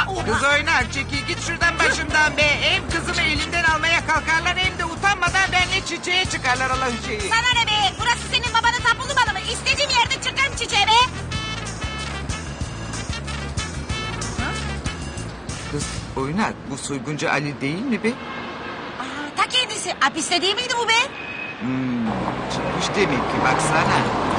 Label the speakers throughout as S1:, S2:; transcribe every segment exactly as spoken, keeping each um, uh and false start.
S1: Kız oynar çekil git şuradan başımdan be. Hem kızımı elinden almaya kalkarlar hem de utanmadan benimle çiçeğe çıkarlar Allah'ın şeyi.
S2: Sana ne be? Burası senin babanın tapulu malı mı? İstediğim yerde çıkarım çiçeğe be.
S1: Kız oynar bu soyguncu Ali değil mi be?
S2: Aa, ta kendisi. Hapiste değil miydi bu be?
S1: Hmm, çıkmış demek ki baksana.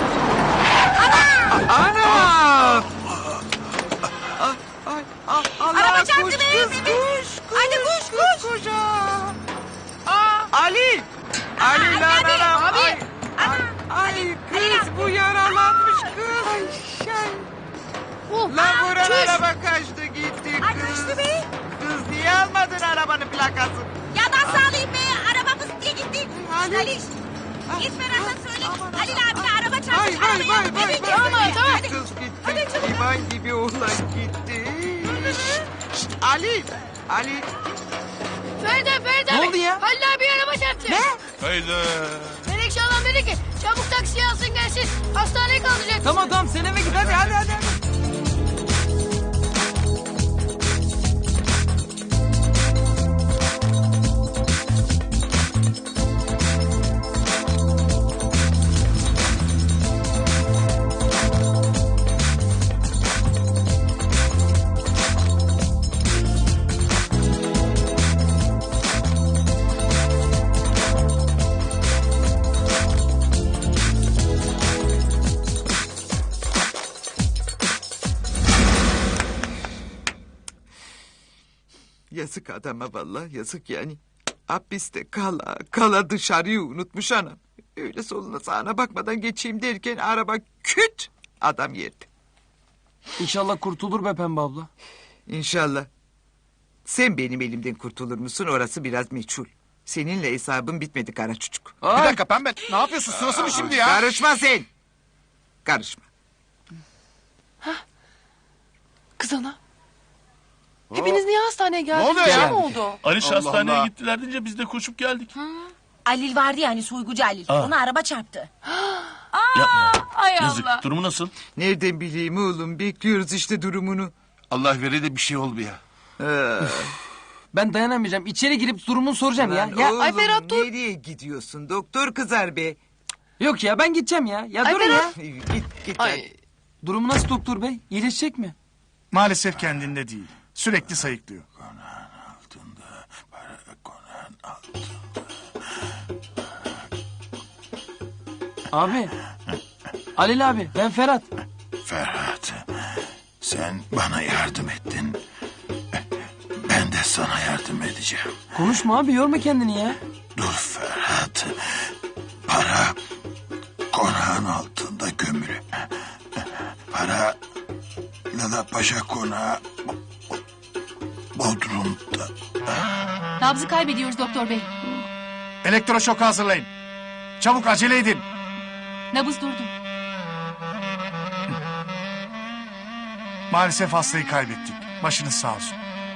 S1: Ana! Ana! Ay, ay, ay, Allah,
S2: Araba çarptı
S1: koş,
S2: be,
S1: kız,
S2: bebe.
S1: koş, koş,
S2: Hadi koş,
S1: kız, koş, aa. Aa, Ali! Ali
S2: Aa,
S1: lan
S2: abi,
S1: anam,
S2: abi.
S1: ay,
S2: Ana,
S1: ay, ay, kız bu yaralanmış kız. Ay, şey. Lan vuran
S2: çüş.
S1: araba kaçtı gitti
S2: Ay,
S1: kız.
S2: kaçtı be.
S1: Kız niye almadın arabanın plakasını?
S2: Ya nasıl alayım be? Arabamız diye gitti.
S1: Ali.
S2: Ali. Git Ferhat'a söyle. Halil abi araba
S1: Vay
S2: çarpmış.
S1: vay
S2: Arabaya.
S1: vay vay
S2: Hadi,
S1: vay.
S2: tamam,
S1: Gitti
S2: tamam. Hadi.
S1: kız gitti.
S2: Hadi çabuk.
S1: İman gibi oğlan gitti. Şşt, Ali. Ali.
S3: Feride Feride
S4: Ne
S3: abi.
S4: oldu ya?
S3: Halil abi araba çarptı.
S1: Ne?
S5: Hayda.
S3: Melekşe Hanım dedi ki çabuk taksiye alsın gelsin. Hastaneye kaldıracak.
S4: Tamam tamam sen eve git hadi hadi hadi. hadi.
S1: Yazık adama vallahi yazık yani. Hapiste kala kala dışarıyı unutmuş anam. Öyle soluna sağına bakmadan geçeyim derken araba küt adam yerde.
S4: İnşallah kurtulur be Pembe abla.
S1: İnşallah. Sen benim elimden kurtulur musun orası biraz meçhul. Seninle hesabım bitmedi kara çocuk.
S5: Bir
S4: Ay.
S5: dakika pembe. Ne yapıyorsun? Sırası mı şimdi ya?
S1: Karışma sen. Karışma.
S6: Kız ana. Hepiniz niye hastaneye geldiniz?
S5: Ne oluyor
S6: Bir şey
S5: ya?
S6: mi oldu?
S5: Aliş
S7: Allah
S5: hastaneye
S7: Allah.
S5: gittiler deyince biz de koşup geldik.
S2: Halil vardı yani soygucu Halil.
S5: Aa.
S2: Ona araba çarptı.
S5: Yapma ya.
S6: Ay
S5: Yazık.
S6: Allah.
S5: Durumu nasıl?
S1: Nereden bileyim oğlum bekliyoruz işte durumunu.
S7: Allah veri de bir şey olmuyor.
S1: Ee,
S4: Ben dayanamayacağım. İçeri girip durumunu soracağım ya.
S1: lan
S4: Ya
S1: oğlum,
S6: Ay Ferhat, dur.
S1: nereye gidiyorsun doktor kızar be.
S4: yok ya ben gideceğim ya. Ya
S6: Ay
S4: durun ya.
S6: Ferhat.
S1: Git git.
S6: Ay.
S4: Durumu nasıl doktor bey? İyileşecek mi?
S8: Maalesef kendinde değil. Sürekli sayıklıyor.
S4: Abi. Halil abi ben Ferhat.
S7: Ferhat, sen bana yardım ettin. Ben de sana yardım edeceğim.
S4: Konuşma abi yorma kendini ya.
S7: Dur Ferhat. Para konağın altında gömülü. Para Lala Paşa konağı Bodrum'da.
S3: Nabzı kaybediyoruz doktor bey.
S8: Elektroşok hazırlayın. Çabuk acele edin.
S3: Nabız durdu.
S8: Maalesef hastayı kaybettik. Başınız sağ olsun.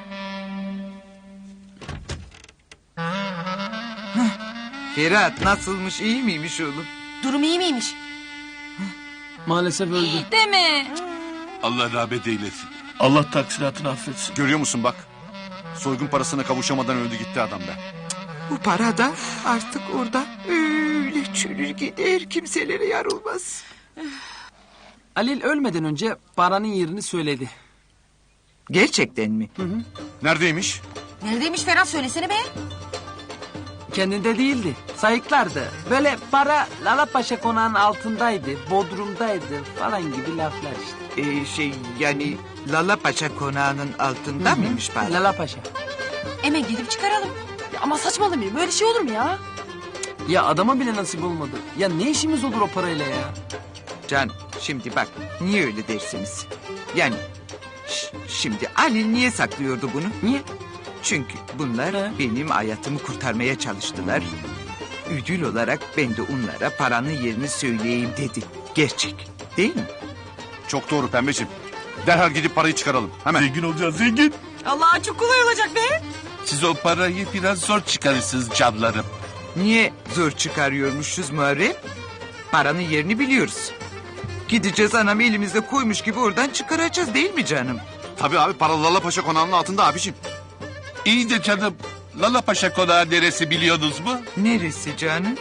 S1: Ferhat nasılmış iyi miymiş oğlum?
S2: Durum iyi miymiş?
S4: Maalesef öldü.
S3: Değil mi?
S7: Allah rahmet eylesin.
S5: Allah taksiratını affetsin.
S7: Görüyor musun bak. Soygun parasına kavuşamadan öldü gitti adam be.
S1: Bu para da artık orada öyle çürür gider kimselere yar olmaz.
S4: Halil ölmeden önce paranın yerini söyledi.
S1: Gerçekten mi?
S7: Neredeymiş?
S2: Neredeymiş Ferhat söylesene be.
S4: Kendinde değildi. Sayıklardı. Böyle para Lala Paşa konağının altındaydı. Bodrum'daydı falan gibi laflar işte.
S1: Ee, şey yani Lala Paşa konağının altında mıymış para?
S4: Lala Paşa.
S2: Hemen gidip çıkaralım.
S6: Ya ama saçmalamayın. Böyle şey olur mu ya?
S4: Ya adama bile nasip olmadı. Ya ne işimiz olur o parayla ya?
S1: Can şimdi bak niye öyle dersiniz? Yani ş- şimdi Ali niye saklıyordu bunu?
S4: Niye?
S1: Çünkü bunlar
S4: He.
S1: benim hayatımı kurtarmaya çalıştılar. Ödül olarak ben de onlara paranın yerini söyleyeyim dedi. Gerçek değil mi?
S7: Çok doğru pembeciğim. Derhal gidip parayı çıkaralım. Hemen.
S5: Zengin olacağız zengin.
S2: Allah çok kolay olacak be.
S5: Siz o parayı biraz zor çıkarırsınız canlarım.
S1: Niye zor çıkarıyormuşuz Muharrem? Paranın yerini biliyoruz. Gideceğiz anam elimizde koymuş gibi oradan çıkaracağız değil mi canım?
S7: Tabii abi para Lala Paşa konağının altında abicim.
S5: İyi de canım, Lala Paşa konağı neresi biliyorsunuz mu?
S1: Neresi canım?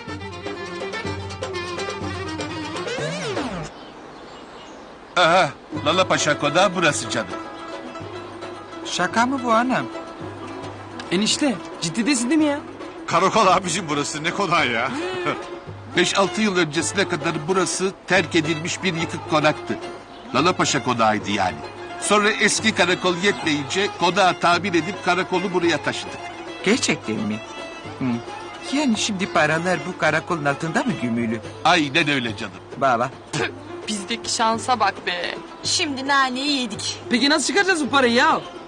S5: Aha, Lala Paşa konağı burası canım.
S1: Şaka mı bu anam?
S4: Enişte ciddi değilsin değil mi ya?
S7: Karakol abicim burası ne konağı ya.
S5: Beş altı yıl öncesine kadar burası terk edilmiş bir yıkık konaktı. Lala Paşa konağıydı yani. Sonra eski karakol yetmeyince konağı tamir edip karakolu buraya taşıdık.
S1: Gerçekten mi? Hı. Yani şimdi paralar bu karakolun altında mı gömülü?
S5: Aynen öyle canım.
S1: Baba.
S6: Bizdeki şansa bak be.
S2: Şimdi naneyi yedik.
S4: Peki nasıl çıkaracağız bu parayı ya?